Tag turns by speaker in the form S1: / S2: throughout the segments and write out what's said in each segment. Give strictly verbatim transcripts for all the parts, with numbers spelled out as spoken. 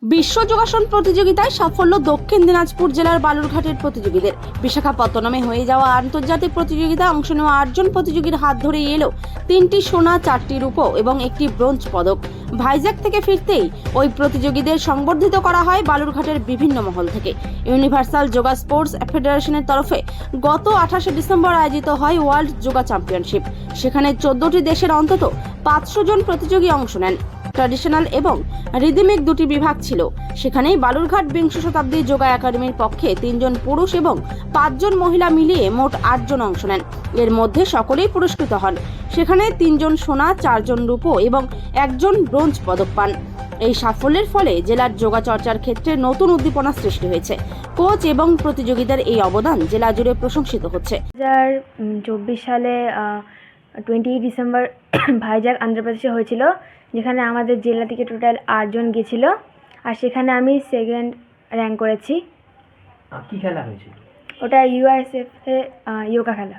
S1: বিশ্ব যোগাসন প্রতিযোগিতায় সাফল্য দক্ষিণ দিনাজপুর জেলার বালুরঘাটের প্রতিযোগীদের। বিশাখাপত্তনমে হয়ে যাওয়া আন্তর্জাতিক প্রতিযোগিতায় অংশ নেওয়া আটজন প্রতিযোগীর হাত ধরে এলো তিনটি সোনা, চারটি রূপো এবং একটি ব্রোঞ্জ পদক। ভাইজ্যাক থেকে ফিরতেই ওই প্রতিযোগীদের সংবর্ধিত করা হয় বালুরঘাটের বিভিন্ন মহল থেকে। ইউনিভার্সাল যোগা স্পোর্টস ফেডারেশনের তরফে গত আঠাশে ডিসেম্বর আয়োজিত হয় ওয়ার্ল্ড যোগা চ্যাম্পিয়নশিপ। সেখানে চোদ্দটি দেশের অন্তত পাঁচশো জন প্রতিযোগী অংশ নেন। ট্র্যাডিশনাল এবং রিদমিক দুটি বিভাগ ছিল। সেখানেই বালুরঘাট বিংশ শতাব্দী যোগা একাডেমির পক্ষে তিনজন পুরুষ এবং পাঁচজন মহিলা মিলিয়ে মোট আটজন অংশ নেন। এর মধ্যে সকলেই পুরস্কৃত হন। সেখানে তিনজন সোনা, চারজন রূপো এবং একজন ব্রোঞ্জ পদক পান। এই সাফল্যের ফলে জেলার যোগা চর্চার ক্ষেত্রে নতুন উদ্দীপনা সৃষ্টি হয়েছে। কোচ এবং প্রতিযোগীদের এই অবদান জেলা জুড়ে প্রশংসিত হচ্ছে।
S2: দু হাজার চব্বিশ সালে টোয়েন্টি ডিসেম্বর ভাইজ্যাক অন্ধ্রপ্রদেশে হয়েছিল, যেখানে আমাদের জেলা থেকে টোটাল আটজন গেছিল, আর সেখানে আমি সেকেন্ড র্যাঙ্ক করেছি।
S3: কি খেলা হয়েছিল?
S2: ওটা ইউএসএফ এ যোগা খেলা।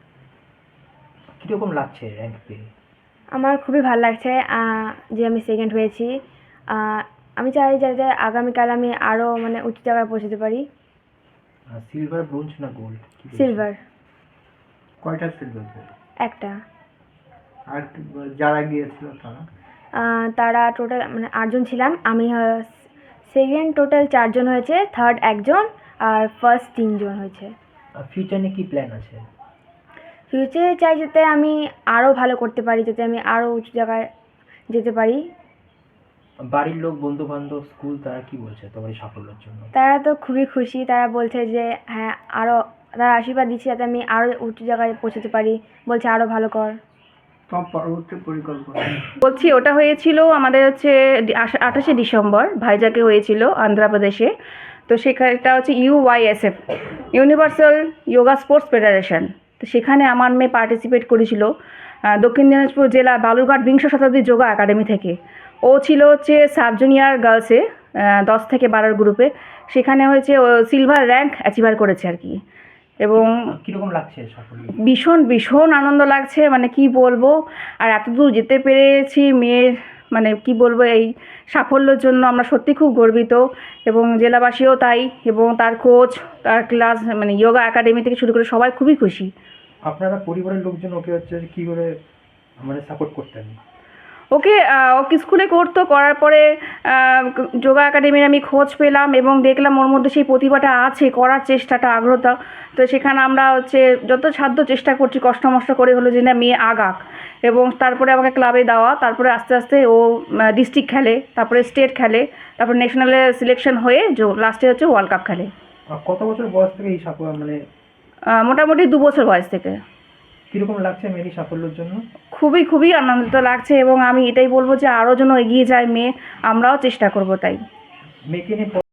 S3: কীরকম লাগছে র্যাঙ্ক পেয়ে?
S2: আমার খুবই ভালো লাগছে যে আমি সেকেন্ড হয়েছি। আমি চাই যাতে আগামীকাল আমি আরও মানে উঁচু জায়গায় পৌঁছতে পারি।
S3: সিলভার, ব্রোঞ্জ না গোল্ড?
S2: সিলভার।
S3: কয়টা সিলভার? একটা। আর যারা গিয়েছিল তারা
S2: তারা টোটাল মানে আটজন ছিলাম। আমি সেকেন্ড টোটাল চারজন হয়েছে, থার্ড একজন, আর ফার্স্ট তিনজন হয়েছে।
S3: ফিউচারে কি প্ল্যান আছে?
S2: ফিউচারে চাই যাতে আমি আরও ভালো করতে পারি, যাতে আমি আরও উঁচু জায়গায় যেতে পারি।
S3: বাড়ির লোক, বন্ধু বান্ধব, স্কুল, তারা কি বলছে তোমার এই সাফল্যের জন্য?
S2: তারা তো খুবই খুশি। তারা বলছে যে হ্যাঁ, আরও তারা আশীর্বাদ দিচ্ছে যাতে আমি আরও উঁচু জায়গায় পৌঁছতে পারি। বলছে আরও ভালো কর।
S3: পরবর্তী পরিকল্পনা
S4: বলছি, ওটা হয়েছিল আমাদের হচ্ছে আঠাশে ডিসেম্বর ভাইজ্যাকে হয়েছিল অন্ধ্রপ্রদেশে। তো সেখানটা হচ্ছে UYSF, universal yoga sports federation. তো সেখানে আমার মেয়ে পার্টিসিপেট করেছিল দক্ষিণ দিনাজপুর জেলা বালুরঘাট বিংশ শতাব্দী যোগা একাডেমি থেকে। ও ছিল হচ্ছে সাব জুনিয়র গার্লসে দশ থেকে বারোর গ্রুপে। সেখানে হয়েছে ও সিলভার র্যাঙ্ক অ্যাচিভার করেছে আর কি। এবং
S3: কীরকম লাগছে সাফল্য?
S4: ভীষণ ভীষণ আনন্দ লাগছে, মানে কি বলবো। আর এত দূর যেতে পেরেছি মেয়ের মানে কি বলবো, এই সাফল্যের জন্য আমরা সত্যি খুব গর্বিত, এবং জেলাবাসীও তাই, এবং তার কোচ, তার ক্লাস মানে যোগা একাডেমি থেকে শুরু করে সবাই খুবই খুশি।
S3: আপনারা পরিবারের লোকজন ওকে হচ্ছে কী করে মানে সাপোর্ট করতেন?
S4: ওকে ওকে স্কুলে করতো, করার পরে যোগা একাডেমির আমি খোঁজ পেলাম এবং দেখলাম ওর মধ্যে সেই প্রতিভাটা আছে, করার চেষ্টাটা, আগ্রহটা। তো সেখানে আমরা হচ্ছে যত সাধ্য চেষ্টা করছি, কষ্ট মষ্ট করে হলো যে না মেয়ে আগাক। এবং তারপরে আমাকে ক্লাবে দেওয়া, তারপরে আস্তে আস্তে ও ডিস্ট্রিক্ট খেলে, তারপরে স্টেট খেলে, তারপরে ন্যাশনালে সিলেকশন হয়ে লাস্টে হচ্ছে ওয়ার্ল্ড কাপ খেলে।
S3: কত বছর বয়স থেকে এই সাফল্য মানে?
S4: মোটামুটি দু বছর বয়স থেকে।
S3: কীরকম লাগছে মেয়ের সাফল্যের জন্য?
S4: খুবই খুবই আনন্দিত লাগছে, এবং আমি এটাই বলবো যে আরও যেন এগিয়ে যায় মেয়ে, আমরাও চেষ্টা করব তাই।
S3: মেয়েকে নিয়ে